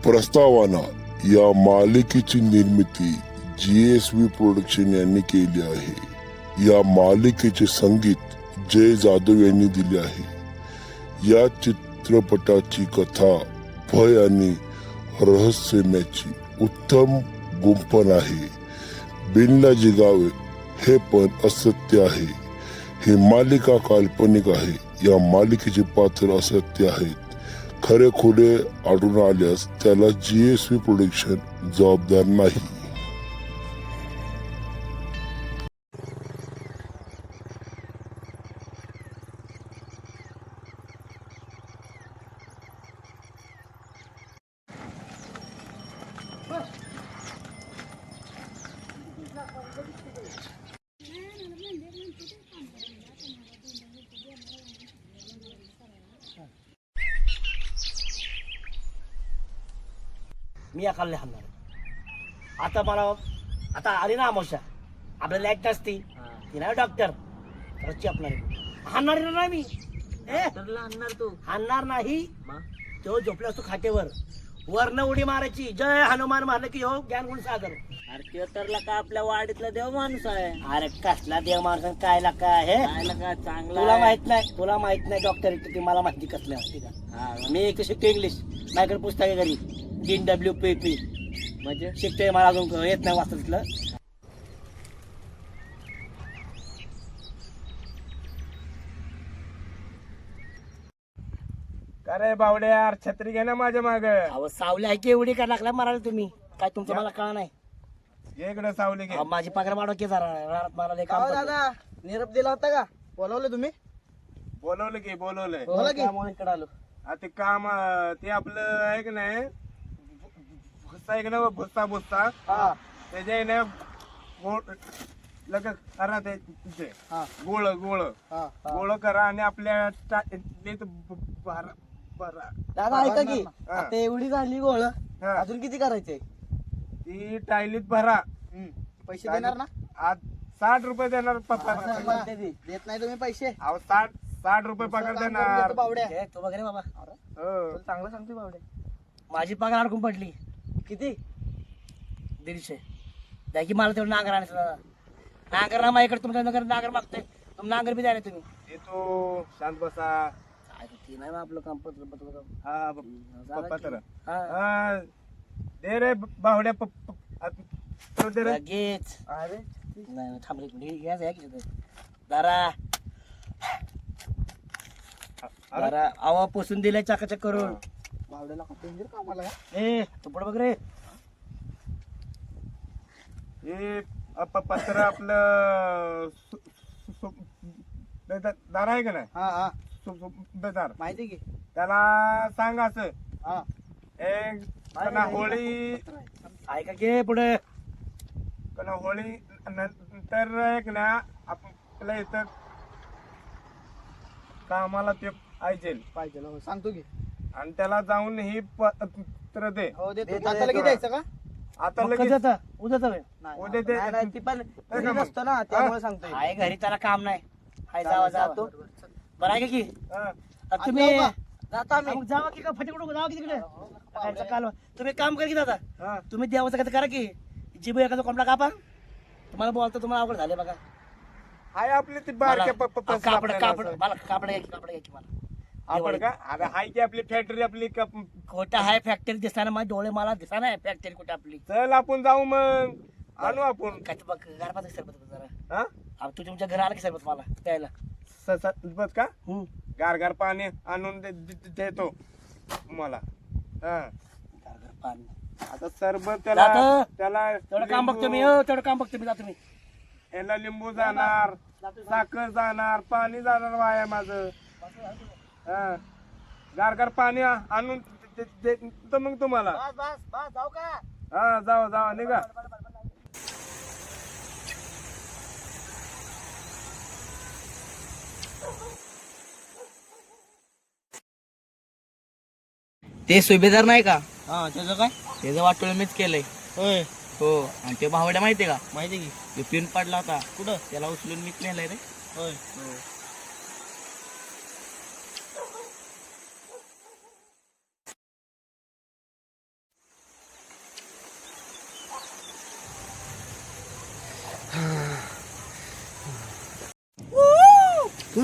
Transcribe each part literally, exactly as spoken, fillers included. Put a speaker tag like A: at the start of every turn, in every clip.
A: प्रस्तावना या मालिकेची निर्मिती जी एस व्ही प्रोडक्शन यांनी केली आहे। या मालिकेचे संगीत जय जाधव यांनी दिले आहे। या चित्रपटाची कथा भय आणि रहस्यमयाची उत्तम गुंफण आहे। बिनला जिगावे हे पण असत्य आहे। ही मालिका काल्पनिक आहे। या मालिकेचे पात्र असत्य आहेत। खरे खोटे आढळून आल्यास त्याला जी एस व्ही प्रोडक्शन जबाबदार नाही।
B: मी या खाल्ले हाणणार आता मला आता आली ना अमावस्या आपल्याला लाईट नसती ती नाही डॉक्टर रच्ची आपणार हाणणार नाही मी
C: हाणणार तू
B: हाणणार नाही तो झोपला असतो खाटेवर वरनं उडी मारायची जय हनुमान मारलं की हो ज्ञान गुण सागर।
C: अरे त्यो तरला का आपल्या वाडीतला देव माणूस आहे।
B: अरे कसला देव माणूस काय लाका हे
C: खायला का चांगला
B: तुला
C: आहे.
B: माहित नाही तुला माहित नाही डॉक्टर ती मला माहिती कसल्या ठीक आहे
C: हा,
B: मी एक शिकतो इंग्लिश माझ्याकडे पुस्तक आहे घरी डीन डब्ल्यू पी पी
C: म्हणजे
B: शिकतोय मला अजून येत नाही वाचता तिथलं।
D: अरे बावडे यार छत्री घे ना माझ्या माग
B: अहो सावली आहे की एवढी काय लागला मारायला तुम्ही काय तुमचं मला कळा नाही
D: इकडे सावली घे
B: अहो, माझी पगार वाढव की जरा रानात मला लय काम
E: अहो
B: पडलं.
E: दादा निरोप दिला होता का बोलवलं तुम्ही
D: बोलवलं की बोलवलंय
B: हो,
E: बोला की.
B: त्यामुळे इकडे आलो
D: आ ते काम अं, ते आपलं आहे की नाही भुस्सा आहे की नाही भुस्सा भुस्सा
E: हा
D: त्याच्या आहे ना गोळ लग करा ते ते.
E: हा
D: गोळ गोळ
E: हा
D: गोळ करा आणि आपल्या टा- ते ब- भरा भरा
E: दादा ऐका की
D: हा.
E: आता एवढी झाली गोळ
D: हा.
E: अजून किती करायचे
D: ती टायलीत भरा
E: पैसे देणार ना
D: आज साठ रुपये देणार पप्पा
E: देत नाही तुम्ही पैसे
D: अहो साठ साठ रुपये पगार
E: काम करून
D: देणार
E: देतो बावड्या
B: हे, तू वगैरे बाबा
D: हो.
E: तुला चांगलं सांगतोय बावड्या
B: माझी पगार अडकून पडली
E: किती
B: दीडशे द्या की मला तेवढं नांगर आणायचं नांगर ना माझ्याकडे तुमच्या नगर नांगर मागतोय तुम्ही नांगर बी द्यायला तुम्ही
D: येतो शांत बसा
B: काय ते ती नाही बा आपलं काम पत्र पत्र काम.
D: हा
B: झालं
D: पप्पा
B: की.
D: तर
B: हा.
D: हा, दे रे बावड्या पप्पा तो दे रे
B: लगेच
E: अरे
B: नाही नाही, थांब रे एक मिनिट. घ्या घ्या की तिथं. जरा जरा आवा पोसून दिलाय चाकाचक करून
E: बावड्याला डेंजर कामाला का?
B: ए तू पुढे बघ रे
D: हे अप- पत्र आपलं सु- सु- सु- बेदार दार आहे का नाही
E: हा हा
D: सु- सु- बेदार
E: माहिती की
D: त्याला सांग असं
E: हा
D: एक कना होळी
B: ऐका की पुढे
D: कना होळी नंतर एक ना आपल्या इथं कामाला ते पाहिजे
E: पाहिजे हो सांगतो की
D: आणि त्याला जाऊन ही पत्र दे
E: हो देतो
B: देतो,
E: आता लगेच
B: देतो.
E: द्यायचं का
D: आता
B: मग
D: लगेच
B: कसं आता? उद्या जाऊया
E: नाही,
D: उद्या दे.
E: नाही, नाही, ती पण
D: का
E: घरी
D: मग?
E: नसतो ना त्यामुळे सांगतोय
B: आहे घरी त्याला काम नाही हाय जावा
E: जातो.
B: जावा बरं आहे का की
D: हा.
B: आता तुम्ही
E: जाऊ का? जातो आम्ही
B: मग जावा की का फटेकडून जावा की तिकडे सकाळचं काल तुम्ही एक काम करा की दादा
D: हा.
B: तुम्ही देवाचं काय करा की जिबू एखादा कोंबडा कापा तुम्हाला बोलतो तुम्हाला अवघड झाले बघा
D: हाय आपली ती बारक्या
B: मला-
D: प- प-
B: आ, कापड
D: आपल्याला
B: कापड
D: असं.
B: मला कापड घ्या की कापड घ्या की मला
D: आपण का अरे हाय की आपली फॅक्टरी आपली का-
B: खोटा आहे फॅक्टरी दिसताना माझे डोळे मला दिसताना आहे फॅक्टरी कुठे आपली
D: चल आपण जाऊ मग आणू आपण
B: काय ते बघ गारपाचं सरबत जरा
D: हा
B: आ, तू तुमच्या घरी आला की सरबत मला प्यायला
D: स- स- बस का
B: हम्म.
D: गार गार पाणी आणून दे- दे- देतो मला हा
B: गार गार पाणी
D: आता सरबत त्याला
B: जातं.
D: त्याला
B: तेवढं काम बघतो मी
D: लिंबू-
B: हो तेवढं काम बघतो मी जातो मी
D: याला लिंबू जाणार साखर जाणार पाणी जाणार वाया माझं हा गार गार पाणी आ- आणून दे- दे- देतो मग तुम्हाला
E: बस बस बस जाऊ का
D: हा जाऊ जाऊ निघा
C: ते सुभेदार नाही का
E: हा त्याचं काय
C: त्याचं वाटोळ मीच केलंय
E: होय
C: हो आणि ते भावड्या माहितीये का
E: माहिती की
C: तो पिन पडला होता
E: कुठं
C: त्याला उचलून मीच नेलाय रे
E: होय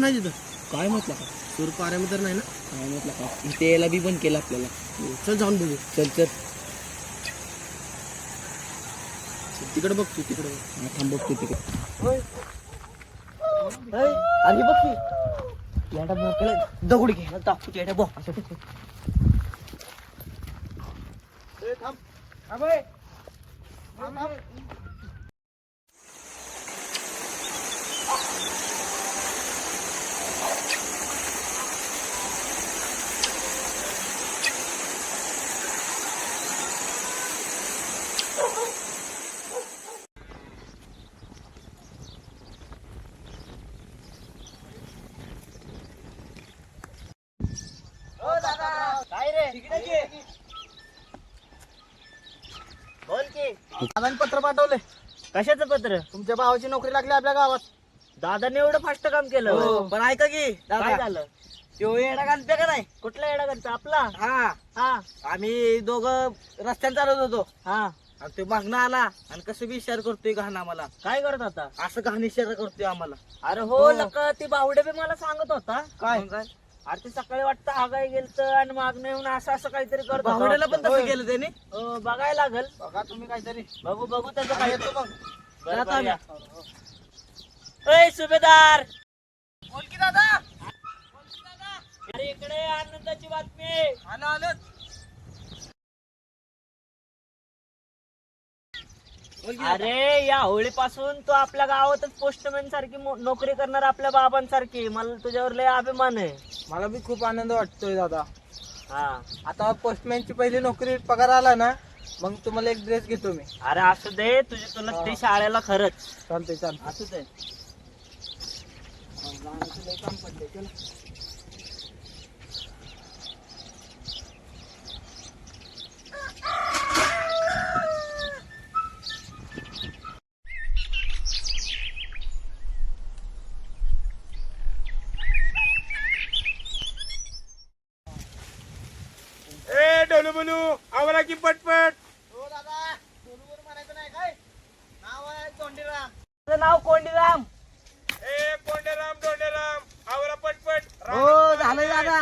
E: कोण आहे तिथं?
C: काय म्हटलं का
E: सूर पाऱ्यामध्ये तर नाही ना?
C: काय म्हटलं का इथे यायला बी बंद केलं आपल्याला.
E: चल जाऊन बघू.
C: चल चल
E: तिकडे बघ तू तिकडे बघ.
C: हा, थांब बघतो तिकडे.
B: अरे बघ की येडा मोकळं दगड घे दाखवतो येडा बघ असं काय रे बोल की
E: दादाने पत्र पाठवले.
B: कशाचं पत्र
E: तुमच्या भावाची नोकरी लागली आपल्या गावात.
B: दादाने एवढं फास्ट काम केलं
E: हो, पण ऐका की
B: काय
E: दादा,
B: झालं
E: तो येडा घालते का नाही?
B: कुठला येडा करता आपला
E: हा,
B: हा
E: आम्ही दोघं रस्त्याने चालत होतो
B: हा
E: आणि तो मागणं आला आणि कसं बी इशारा करतोय घाण आम्हाला.
B: काय करत होता
E: असं घाण इशारा करतोय आम्हाला.
B: अरे हो लका ती बावडे बी मला सांगत होता
E: काय?
B: मग काय अरे ते सकाळी वाटतं आगाई गेलत आणि मागणं येऊन असं असं काहीतरी करत होता.
E: भावड्याला पण तसं
B: होय.
E: केलं त्याने.
B: हो, बघायला लागल
E: बघा तुम्ही काहीतरी.
B: बघू बघू त्याचं
E: आम्ही
B: काय
E: येतो मग.
B: बरं,
E: जातो
B: बरं,
E: आम्ही.
B: या. ओय सुभेदार
E: बोल की दादा.
B: अरे इकडे आनंदाची बातमी
E: आलं आलं. बोल की दादा.
B: अरे या होळीपासून तू आपल्या गावातच पोस्टमॅन सारखी मो- नोकरी करणार आपल्या बाबांसारखी मला तुझ्यावर लय अभिमान आहे
E: मला बी खूप आनंद वाटतोय दादा.
B: हा
E: आता पोस्टमॅनची पहिली नोकरी पगार आला ना, मग तुम्हाला एक ड्रेस घेतो मी.
B: अरे असू दे तुझी तुला ते शाळेला खरंच
E: चालतंय चालतंय.
B: असू दे
D: ए डोलू बोलू आवरा की पटपट.
E: हो दादा, बोलूवर म्हणायचं नाही काय? नाव आहे तोंडीराम.
B: तुझं नाव कोंडीराम
D: ए कोंडेराम डोंडेराम आवरा पटपट.
E: हो झालंय दादा.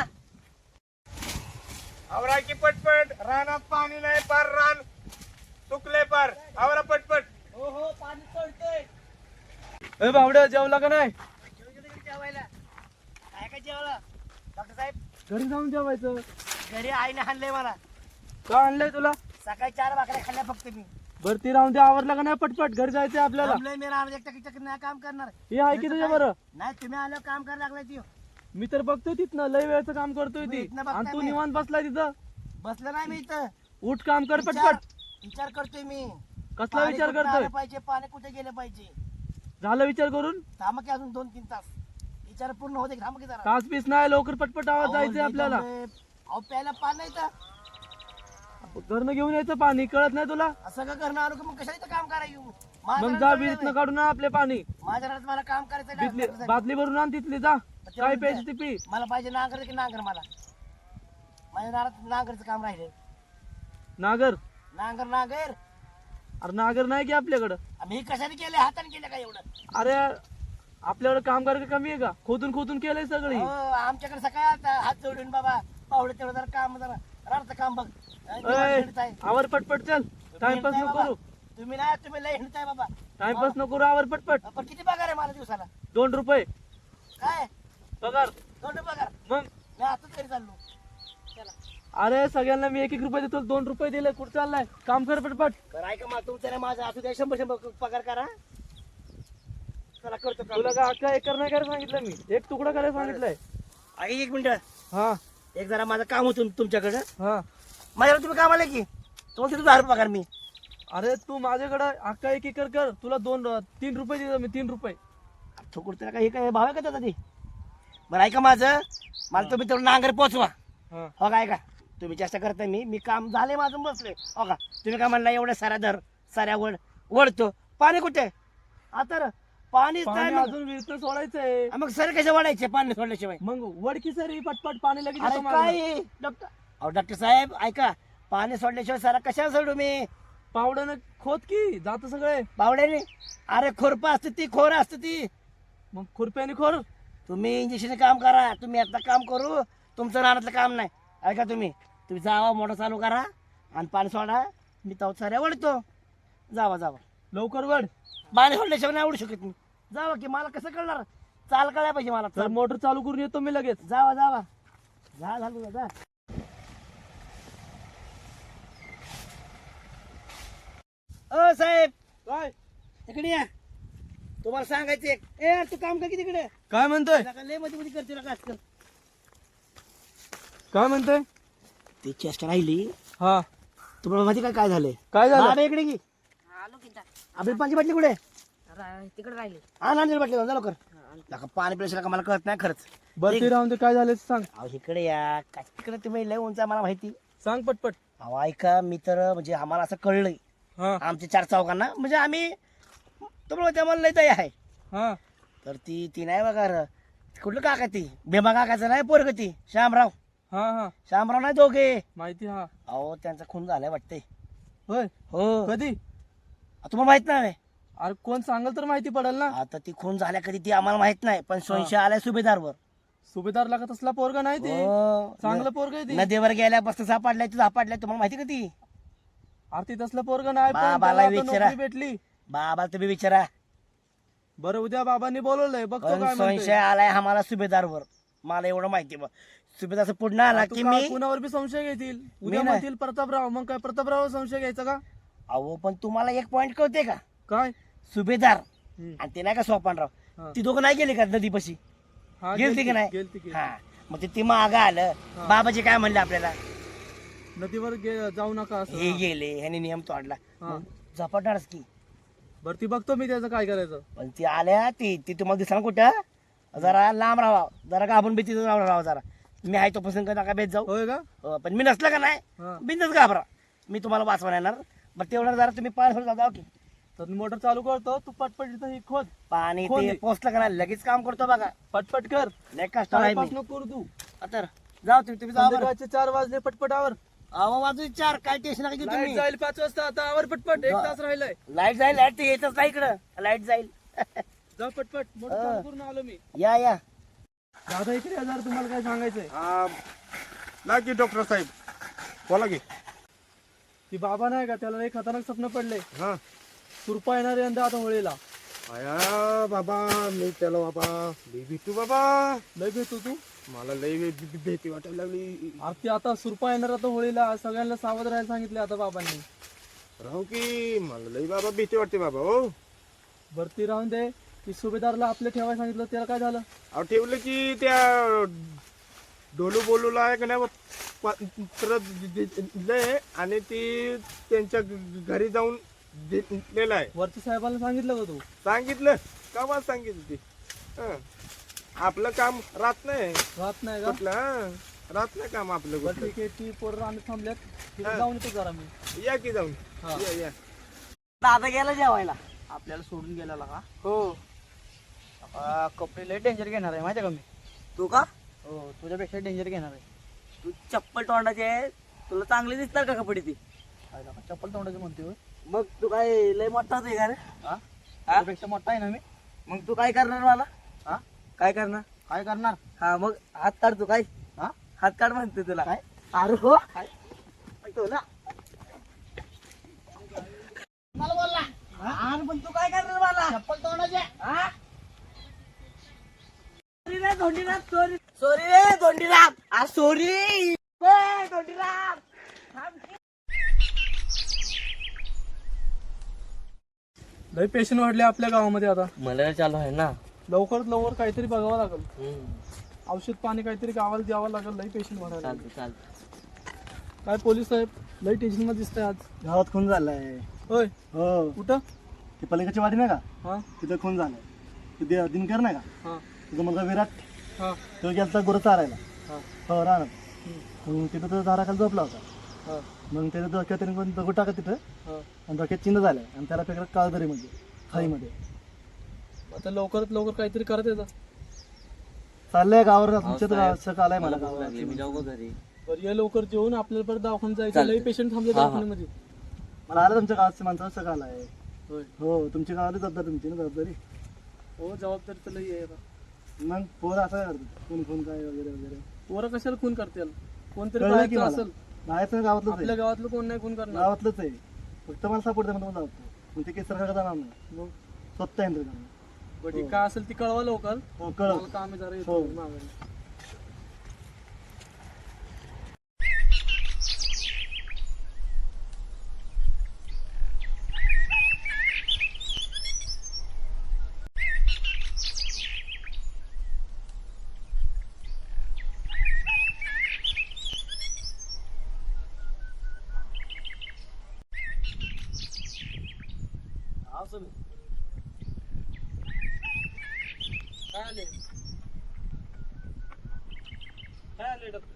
D: आवरा की पटपट. रानात पाणी नाही पार रान तुकले पार. आवरा पटपट.
B: हो हो पाणी सोडतोय
E: ए बावड्या, जेवला का नाही?
B: जेवायला काय काय जेवलं डॉक्टर साहेब
E: घरी जाऊन जेवायचं.
B: घरी आईने आणलंय मला
E: का आणलंय तुला?
B: सकाळी चार भाकऱ्या खाल्ल्या फक्त मी
E: बर ती राहून दे, आवरला का नाही? पटपट घरी जायचंय आपल्याला.
B: थांबलोय मी राहणार एकटा किचक नाही काम करणार
E: हे आहे की तुझ्या बरं.
B: नाही तुम्ही आल्यावर काम करायला लागलाय ती
E: मी तर बघतोय तिथनं लय वेळचं काम करतोय
B: मी
E: ती.
B: इथनं बघताय
E: आणि तू
B: मी.
E: निवांत बसलाय तिथं.
B: बसलं नाही मी इथं
E: उठ काम कर
B: विचार
E: पटपट.
B: विचार करतोय मी
E: कसला
B: पाणी
E: विचार
B: कुठं
E: करतोय?
B: आलं पाहिजे पाणी कुठे गेलं पाहिजे
E: झालं विचार करून?
B: थांब की अजून दोन तीन तास विचार पूर्ण होते थांब की जरा
E: तास पीस नाही, लवकर पटपट आवाज
B: अहो,
E: जायचंय
B: लई
E: आपल्याला.
B: दमलोय. अहो प्यायला पाणी नाही तर
E: घरनं घेऊन यायचं पाणी, कळत नाही तुला?
B: असं का करणं आलो की मग कशाला इथं काम करायला
E: मग जा विहिरीतनं काढून आण आपले पाणी.
B: माझ्या घरात मला काम करायचं आहे.
E: तिथली
B: डॉक्टर साहेब.
E: बादली भरून आण तिथली, जा काय प्यायची ती पी.
B: मला पाहिजे नांगर की नांगर मला माझ्या दारात नांगरचं काम राहिले
E: नागर?
B: नांगर नांगर
E: अरे नागर नाही की आपल्याकडं.
B: मी कशाने केले हाताने केलं का एवढं
E: अरे आपल्याकडे काम करायचं कमी आहे का? खोदून खोदून केलंय सगळी.
B: हो, आमच्याकडे सकाळी आता हात जोडून बाबा पावडे तेवढं जरा काम जरा राहतं काम बघ आणि तुम्हाला
E: अय,
B: हिंडताय.
E: आवर पटपट चल.
B: तुम्ही
E: टाइमपास
B: हिंडताय
E: नको
B: बाबा.
E: करू.
B: तुम्ही नाही तुम्ही लय हिंडताय बाबा
E: टाइमपास नको करू, आवर पटपट.
B: पण किती पगार आहे मला दिवसाला
E: दोन रुपये
B: काय
E: पगार.
B: दोन पगार
E: मग
B: मी आताच घरी चाललो चला
E: अरे सगळ्यांना मी एक एक रुपये देतो, दोन रुपये दिले. कुठं चाललाय? काम कर पटपट.
B: बरं ऐका मग तुमचं नाही माझं असू द्या शंभर शंभर पगार करा चला करतो काम.
E: तुला का अख्खा एकर नाही करायला सांगितलं मी, एक तुकडा करायला सांगितलंय.
B: आई, एक मिनिट
E: हा
B: एक जरा माझं काम होतं तुमच्याकडं
E: हा.
B: माझ्याकडे तुम्ही काम आले की तुम्हाला तिथं दहा रुपये पगार मी
E: अरे तू माझ्याकडे अख्खा एक एकर कर, तुला दोन तीन रुपये देतो मी, तीन रुपये.
B: ठोकूर त्याला काही काय भाव आहे का त्याचा ते बरं ऐका माझं मला तुम्ही तेवढं नांगर पोचवा
E: हा.
B: हो काय का तुम्ही जास्त करताय मी मी काम झाले माझं बसले हो का तुम्ही काय म्हणला एवढ्या साऱ्या धर साऱ्या वड वडतो पाणी कुठे आता रे, पाणीच नाही
E: पाणी
B: मग.
E: अजून विहिरीतनं सोडायचंय.
B: आ, मग सर कसे वाढायचे पाणी सोडल्याशिवाय
E: मग वडकी सरी पटपट पाणी लगेच
B: अरे
E: येतं मागं.
B: काय डॉक्टर अहो डॉक्टर साहेब ऐका पाणी सोडल्याशिवाय सारा कशाला सोडू मी
E: पावड्यानं खोद की जात सगळे.
B: बावड्याने अरे खोरपा असते ती खोर असते ती
E: मग खुरप्याने खोर.
B: तुम्ही इंजेक्शन काम करा, तुम्ही आता काम करू, तुमचं रानातलं काम नाही. ऐका तुम्ही तुम्ही जावा, मोटर चालू करा आणि पाणी सोडा. मी तो साऱ्या वळतो. जावा जावा
E: लवकर वड.
B: पाणी सोडल्याशिवाय नाही आवडू शकत मी. जावा की, मला कसं कळणार? चाल कळायला पाहिजे मला.
E: तर
B: चल.
E: मोटर चालू करून येतो मी लगेच.
B: जावा जावा जा झालं जा. ओ साहेब
E: काय
B: इकडे या, तुम्हाला सांगायचं एक. ए तू काम कर की तिकडे.
E: काय म्हणतोय
B: नका लय मध्ये मध्ये करते नका आजकाल.
E: काय म्हणतोय?
B: ती चेष्टा राहिली.
E: हा
B: तुम्हाला माहिती काय काय झालंय?
E: काय झालं?
B: बाबा इकडे की. आपली पाणी बाटली कुठे?
F: तिकडे राहिले
B: हा नांदेड बाटली जा लवकर. नका पाणी प्रेशर का मला कळत नाही खरंच.
E: बरं ते राहून ते काय झालं ते सांग.
B: अहो इकडे या. काय तिकडे तुम्ही लय उंच आहे मला माहिती.
E: सांग पटपट.
B: अहो ऐका, मी तर म्हणजे आम्हाला असं कळलंय
E: हा
B: आमच्या चार चौकांना, म्हणजे आम्ही तुम्हाला त्यामध्ये लय दय आहे.
E: हा
B: तर ती ती नाही बघा र. कुठलं काका ती भीमा काकाचं नाही पोरग ती श्यामराव.
E: हा हा
B: श्यामराव नाही दोघे.
E: माहिती. हा
B: अहो त्यांचा खून झालाय वाटतंय.
E: होय
B: हो
E: कधी?
B: तुम्हाला माहित नाही?
E: अरे कोण सांगल तर माहिती पडेल ना.
B: आता ती खून झाल्या कधी ती आम्हाला माहित नाही, पण संशय आलाय सुभेदारवर.
E: सुभेदार लागत असला पोरगा नाही ते.
B: हो.
E: चांगलं पोरग आहे ते.
B: नदीवर गेल्यापासून सापडलाय तू सापडलाय. तुम्हाला माहिती का ती?
E: अरे ते तसलं पोरग नाही पण
B: बाबाला
E: त्याला आता
B: विचारा.
E: नोकरी भेटली.
B: बाबा तुम्ही विचारा.
E: बरं उद्या बाबांनी बोलवलंय बघतो
B: पण
E: काय
B: संशय
E: म्हणतोय.
B: आलाय आम्हाला सुभेदारवर. मला एवढं माहिती बा. सुभेदार पुढे आला
E: तू
B: की
E: का-
B: मी
E: कुणावर बी संशय घेतील. उद्या
B: नाही.
E: म्हणतील प्रतापराव, मग काय प्रतापराव संशय घ्यायचा का?
B: अहो पण तुम्हाला एक पॉइंट कळते का?
E: काय?
B: सुभेदार
E: हम्म.
B: आणि ते नाही का सोपानराव,
E: हा.
B: ती दोघं नाही गेली का नदीपाशी?
E: हा,
B: गेलती
E: गेलती-
B: की नाही?
E: गेलती- गेलती.
B: हा मग ते ती माग आलं.
E: हा.
B: बाबाजी काय म्हणले आपल्याला?
E: नदीवर गे- जाऊ नका
B: हे
E: असं.
B: गेले ह्याने नियम तोडला.
E: हा.
B: मग झपाटणारच की.
E: बरं ती बघतो मी त्याचं काय करायचं.
B: पण ती आल्या ती ती तुम्हाला दिसणार कुठं? जरा लांब राहा, जरा घाबरून भीती राहा जरा. मी आहे तो पसंत नका भेट जाऊ.
E: होय का?
B: हो, पण मी नसलं का नाही
E: हा.
B: बिंदच घाबरा. मी तुम्हाला वाचवा येणार. बरं तेवढं जरा तुम्ही पाणी सोडून जाऊ की.
E: तर मी मोटर चालू करतो, तू पटपट इथं ही खोद.
B: पाणी
E: खोल
B: ते
E: दे.
B: पोचलं का नाही लगेच काम करतो बघा.
E: पटपट कर.
B: लय कष्ट आहे
E: टाइमपास
B: मी.
E: नको करू तू.
B: आता जाऊ तुम्ही तुम्ही जाऊ बरं.
E: संध्याकाळचे चार वाजले पटपट आवर.
B: अहो वाजू चार काय टेन्शन नका घेऊ
E: लाईट
B: तुम्ही.
E: जाईल पाच वाजता. आता आवर पटपट. एक
B: जा.
E: तास राहिलाय.
B: लाईट जाईल. लाईट ते येतच नाही इकडं. लाईट जाईल.
E: जा पटपट. मोटर
B: हा.
E: चालू करून आलो मी.
B: या या
E: दादा इकडे या जरा, तुम्हाला काय सांगायचंय.
D: हा ना की डॉक्टर साहेब बोला की.
E: ती बाबा नाही का, त्याला एक खतरनाक स्वप्न पडले.
D: हा
E: सुरपा येणार यंदा आता होळीला.
D: आया बाबा मी त्याला बाबा लई भेटू बाबा.
E: लय भेटू तू.
D: मला लई भे- भे- भीती वाटायला लागली.
E: अरे ती आता सुरपा येणार आता होळीला. सगळ्यांना सावध राहायला सांगितले आता बाबांनी.
D: राहू की मला लई बाबा भीती वाटते बाबा. हो
E: भरती राहून दे. ती सुभेदारला आपले ठेवायला सांगितलं, त्याला काय झालं?
D: अहो ठेवलं की त्या डोलू बोलूला आहे का नाही पत्र दिलंय आणि ती त्यांच्या घरी जाऊन दिलेलं आहे.
E: वरती साहेबांना सांगितलं का तू?
D: सांगितलं का सांगितलं ती. हं. आपलं काम राहत नाही
E: राहत नाही का?
D: कुठलं. हं. राहत नाही काम आपलं
E: बरं
D: कुठलं.
E: ठीक आहे. ती पोरं आम्ही थांबल्यात. तिथे
D: हा.
E: जाऊन येतो जरा मी.
D: या की जाऊन.
E: हा.
D: या या
B: दादा गेला जेवायला.
C: आपल्याला सोडून गेलेला का?
B: हो
C: आ, कपडे लय डेंजर घेणार आहे माहिती का मी.
B: तू का?
C: हो तुझ्यापेक्षा डेंजर घेणार आहे.
B: तू चप्पल तोंडाचे आहे. तुला चांगली दिसतात का कपडे ती?
C: काय का चप्पल तोंडाची म्हणते होय.
B: मग तू काय लय मोठाच आहे का रे?
C: हा तुझ्यापेक्षा मोठा आहे ना मी.
B: मग तू काय करणार मला?
C: हा
B: काय करणार?
C: काय करणार?
B: हा मग हात काढ. तू काय
C: हा
B: हात काढ म्हणते तुला.
C: काय?
B: अरे हो तो ना मला बोलला. अरे पण तू काय करणार मला? चप्पल तोंडाचे. हा सॉरी रे धोंडीराम. सॉरी सॉरी रे धोंडीराम. आ सॉरी ए धोंडीराम.
E: लय पेशंट वाढले आपल्या गावामध्ये आता.
C: मला चालू आहे ना.
E: लवकरात लवकर काहीतरी बघावं लागेल. औषध पाणी काहीतरी गावाला द्यावं लागेल. लय पेशंट वाढायला.
C: चालतं चालतं.
E: काय पोलीस साहेब लय टेन्शन मध्ये दिसतंय आज.
G: गावात खून झालाय.
E: होय
G: हो
E: कुठं?
G: ती पलीकडची वाडी नाही का,
E: हा
G: तिथं खून झालाय. ते दि- दिनकर नाही का,
E: हा
G: तुझा मुलगा विराट,
E: हा
G: तो गेलता गुरं चारायला.
E: हा
G: हो राहणार.
E: हम्म,
G: मग तिथं तो झाडाखाली झोपला होता.
E: हा
G: मग त्याच्या डोक्यात त्याने कोण दगड टाकत तिथं
E: हा.
G: आणि डोक्यात चिन्ह झालंय आणि त्याला फेकलं काळदरीमध्ये खाईमध्ये.
E: आता लवकरात लवकर काहीतरी करत येतं.
G: चाललंय गावावर तुमच्याच गावात आलाय मला गावात.
E: बरं या लवकर जेवून आपल्याला परत दवाखान्यात जायचं. लय पेशंट थांबले दवाखान्यामध्ये.
G: मला आलं तुमच्या गावाच्या माणसाचं सगळं आलाय.
E: होय
G: हो तुमच्या गावाला जबाबदारी तुमची ना जबाबदारी.
E: हो जबाबदारी तर लई आहे आता.
G: मग पोरं असं करतात कोण कोण काय वगैरे वगैरे.
E: पोरं कशाला खून करतील? कोणतरी
G: कळलं की
E: बाहेरचं
G: मला.
E: असेल.
G: बाहेरचं गावातलंच
E: आपल्या
G: आहे.
E: गावातलं कोण नाही खून करणार.
G: गावातलंच आहे. फक्त मला सपोर्ट द्या म्हणून जातो. मग ते केस सरकार जाणार नाही.
E: मग
G: स्वतः यंत्र करणार.
E: बट हे काय असेल ती कळवा लवकर.
G: हो कळ.
E: मला काम आहे जरा येतो
G: हो.
E: माघारी.
B: हा सुमी.
E: काय आले? काय आले डॉक्टर?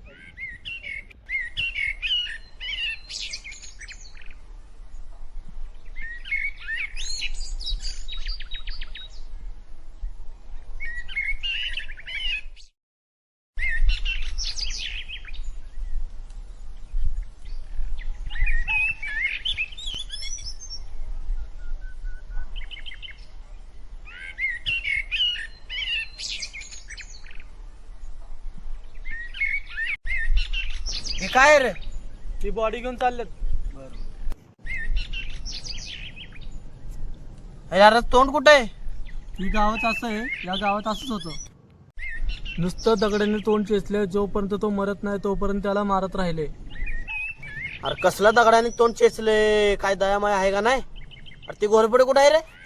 B: हे काय रे?
E: ती बॉडी घेऊन चाललेत.
B: यार तोंड कुठे आहे?
E: ही गावात असं आहे, या गावात असंच होतं. नुसतं दगडाने तोंड चेचले, जोपर्यंत तो मरत नाही तोपर्यंत त्याला मारत राहिले.
B: अरे कसला दगडाने तोंड चेचले? काय दयामाय आहे का नाही? अरे ती घोरपडे कुठे आहे रे?